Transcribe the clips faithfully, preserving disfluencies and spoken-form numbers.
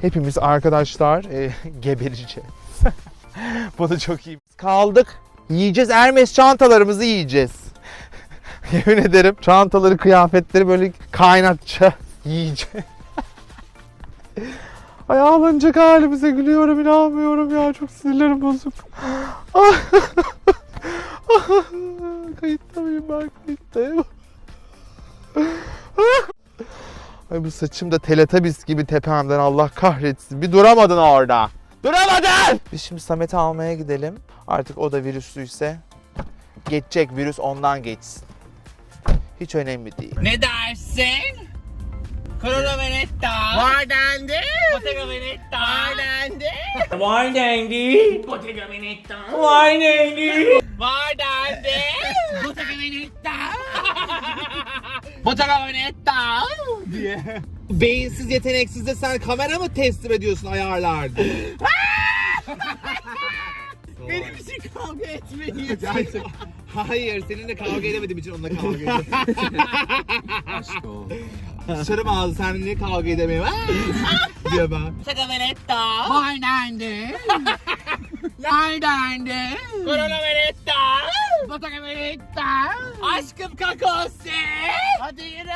hepimiz arkadaşlar e, gebereceğiz. Bu da çok iyi. Kaldık. Yiyeceğiz. Hermes çantalarımızı yiyeceğiz. Yemin ederim çantaları, kıyafetleri böyle kaynatacağız. Yiyeceğiz. Ay ağlanacak halimize gülüyorum, inanmıyorum ya. Çok sinirlerim bozuk. Kayıtta mıyım ben? Kayıttayım. Ay bu saçım da Teletubbies gibi tepemden, Allah kahretsin. Bir duramadın orada. Duramadın! Biz şimdi Samet'i almaya gidelim. Artık o da virüslüyse geçecek, virüs ondan geçsin. Hiç önemli değil. Ne dersin? Corona Veneta. Var dendi. Bottega Veneta. Var dendi. Var dendi. Bottega Veneta. Var dendi. Var dendi. Bottega Veneta. Bottega Veneta diye. Beyinsiz, yeteneksiz de sen kamera mı teslim ediyorsun ayarlarda? Benim için kavga etmeyi. Hayır, seninle kavga edemediğim için onunla kavga ediyorum. Aşk o. Dışarı ağzı, seninle kavga edemiyorum. diye ben. Bottega Veneta. Var dendi. Var dendi. Corona Veneta. Bottega Veneta. Aşkım kakose. Hadi yürü.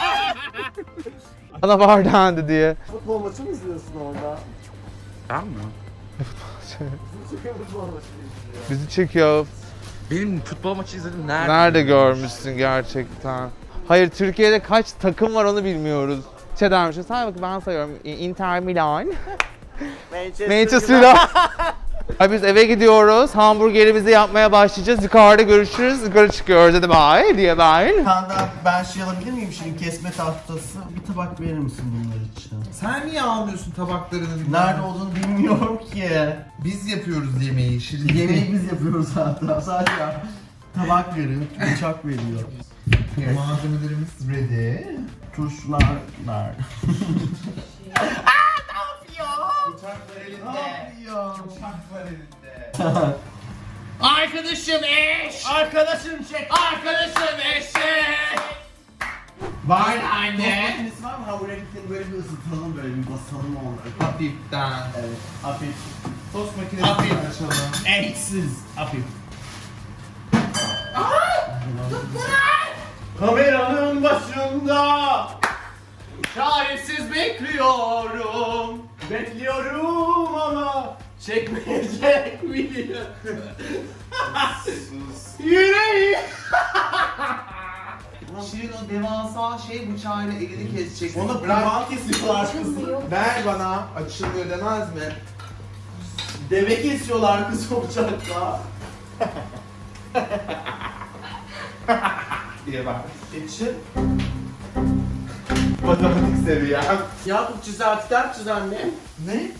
Bana var dendi diye. Futbol maçı mı izliyorsun orada? Tamam mı? Futbol maçı izliyor. Bizi çekiyor. Benim futbol maçı izledim. Nerede? Nerede görmüşsün gerçekten? Hayır, Türkiye'de kaç takım var onu bilmiyoruz. Şey dermişim, say bakayım ben sayıyorum. Inter Milan, Manchester, Manchester United. Ay biz eve gidiyoruz, hamburgerimizi yapmaya başlayacağız. Yukarıda görüşürüz, yukarı çıkıyoruz. Hadi bye diye ben. Kanda ben şey alabilir miyim şimdi, kesme tahtası? Bir tabak verir misin bunlar için? Sen niye almıyorsun tabaklarını? Nerede olduğunu bilmiyorum ki. Biz yapıyoruz yemeği. Şirin. Yemeği biz yapıyoruz hatta. Sadece tabak veriyor, bıçak veriyor. Malzemelerimiz ready. Turşular nerede? Bıçak var elinde. Ne yapıyor? Bıçak var elinde. Arkadaşım eş. Arkadaşım çek. Arkadaşım eşek. Var Tost Anne. makinesi var mı? Hamburgerlikleri böyle bir ısıtalım, böyle bir basalım onları. Hafiften. Evet, hafif. Tost makinesi Hafif. açalım. Eksiz, hafif. Kameranın başında çaresiz bekliyorum. Bekliyorum ama çekmeyecek biliyorum. Yüreğim. Şirin o devasa şey bıçağıyla elini kesecek. Onu Bırak. kurban kesiyorlar kızım. Ver bana. Açılmıyor demez mi? Deve kesiyorlar kız o bıçakla. diye bak. Geçin. Matematik seviyem. Yakup çizer, kitap çiz anne. Ne?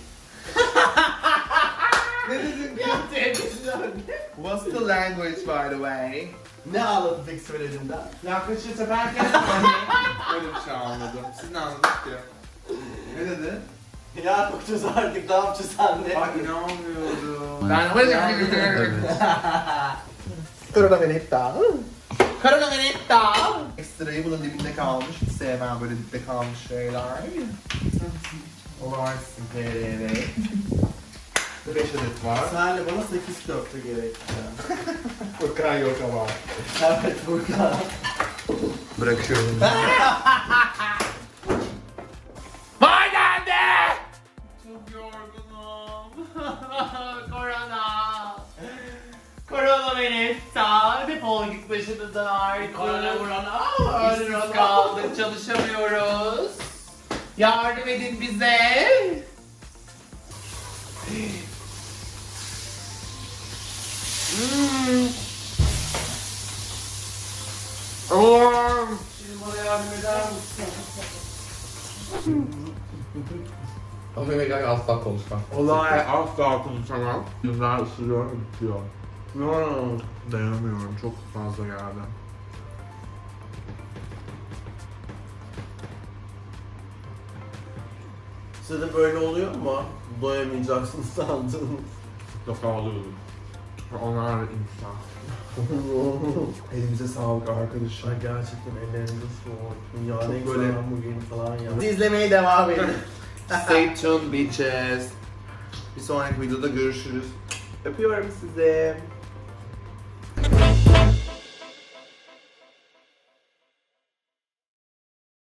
Ne dedin? Çizer anne. What's the language by the way? Ne ağladı peki söylediğimden? Yaklaşık seferken öyle bir şey anladım. Siz ne anladınız ki? Ne dedi? Yakup çiz artık, ne yapacağız anne? Bak inanmıyorum. Ben öyle Korona Veneta. Corona Veneta. Ekstrayı bunun dibinde kalmış. Hiç sevmem böyle dipte kalmış şeyler. Olarsın T R R. beş adet var. Senle bana sekiz köfte gerekti. Furkan yok ama. Evet Furkan. Bırakıyorum. Var dendi. Çok yorgunum. Korona. Korona Veneta. Defol git başımızdan artık. Korona, korona. İşsiz kaldık, çalışamıyoruz. Yardım edin bize. Hmm. Allah'ım. Şimdi bana yardım eder misin? Ama yemek asla konuşmam. Olay asla konuşamam. Yüzler ısırıyor, bitiyor. Hmm. Dayanamıyorum, çok fazla geldi. Size de böyle oluyor mu? Doyamayacaksınız sandınız. Mutlaka alıyordum. Onlar da insan. Elimize sağlık arkadaşlar. Ay gerçekten ellerinize soğuk. Ya ne Çok böyle böyle- bugün falan ya. Siz izlemeye devam edin. Stay tuned bitches. Bir sonraki videoda görüşürüz. Öpüyorum sizi.